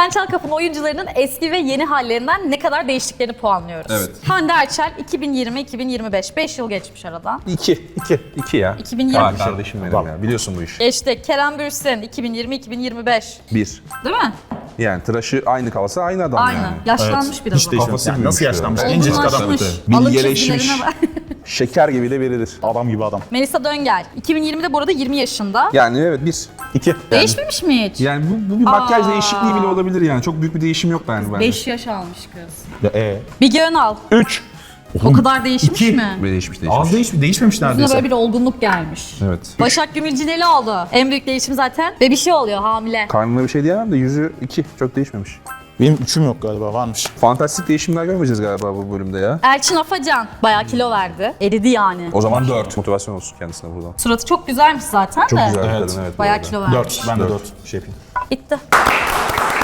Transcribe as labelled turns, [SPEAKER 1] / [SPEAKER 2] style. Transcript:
[SPEAKER 1] Sen Çal Kapı'nın oyuncularının eski ve yeni hallerinden ne kadar değiştiklerini puanlıyoruz.
[SPEAKER 2] Evet.
[SPEAKER 1] Hande Erçel 2020-2025. 5 yıl geçmiş aradan.
[SPEAKER 2] 2 ya.
[SPEAKER 1] 2020.
[SPEAKER 2] Aa, kardeşim benim ya. Biliyorsun bu işi.
[SPEAKER 1] Geçti. Kerem Bürsin 2020-2025.
[SPEAKER 2] 1.
[SPEAKER 1] Değil mi?
[SPEAKER 2] Yani tıraşı aynı kalsa aynı adam
[SPEAKER 1] Aynen.
[SPEAKER 2] yani.
[SPEAKER 1] Yaşlanmış biraz
[SPEAKER 3] Hiç
[SPEAKER 1] ama.
[SPEAKER 3] değişmemiş.
[SPEAKER 2] Kafası
[SPEAKER 3] Yani nasıl
[SPEAKER 2] büyümüş
[SPEAKER 3] yaşlanmış?
[SPEAKER 2] ya.
[SPEAKER 3] Gencecik adam.
[SPEAKER 1] Olgunlaşmış. Alın
[SPEAKER 2] Bilgeleşmiş.
[SPEAKER 1] çizgilerine bak.
[SPEAKER 2] Şeker gibi de verilir.
[SPEAKER 3] Adam gibi adam.
[SPEAKER 1] Melisa Döngel 2020'de bu arada 20 yaşında.
[SPEAKER 2] Yani evet 1.
[SPEAKER 3] 2.
[SPEAKER 1] Değişmemiş mi hiç?
[SPEAKER 2] Yani bu bir makyaj değişikliği bile olabilir yani. Çok büyük bir değişim yok bence.
[SPEAKER 1] 5 yaş almış kız.
[SPEAKER 3] Ya
[SPEAKER 1] Bilge Önal
[SPEAKER 3] 3.
[SPEAKER 1] o kadar değişmiş mi?
[SPEAKER 2] Değişmiş.
[SPEAKER 3] Az değişmemiş
[SPEAKER 1] Yüzüne
[SPEAKER 3] neredeyse.
[SPEAKER 1] böyle bir olgunluk gelmiş.
[SPEAKER 2] Evet.
[SPEAKER 1] Başak Gümülcineli oldu. En büyük değişim zaten. Ve bir şey oluyor hamile.
[SPEAKER 2] Karnına bir şey diyemem de yüzü 2. Çok değişmemiş.
[SPEAKER 3] Benim 3'üm yok galiba, varmış.
[SPEAKER 2] Fantastik değişimler görmeyeceğiz galiba bu bölümde ya.
[SPEAKER 1] Elçin Afacan bayağı kilo verdi. Eridi yani.
[SPEAKER 2] O zaman 4. Motivasyon olsun kendisine buradan.
[SPEAKER 1] Suratı çok güzelmiş zaten
[SPEAKER 2] Çok
[SPEAKER 1] de.
[SPEAKER 2] güzel bir
[SPEAKER 3] Evet.
[SPEAKER 2] kadın evet. bu
[SPEAKER 1] Bayağı
[SPEAKER 2] arada.
[SPEAKER 1] kilo vermiş.
[SPEAKER 3] 4. Ben de 4 şey yapayım.
[SPEAKER 1] Bitti.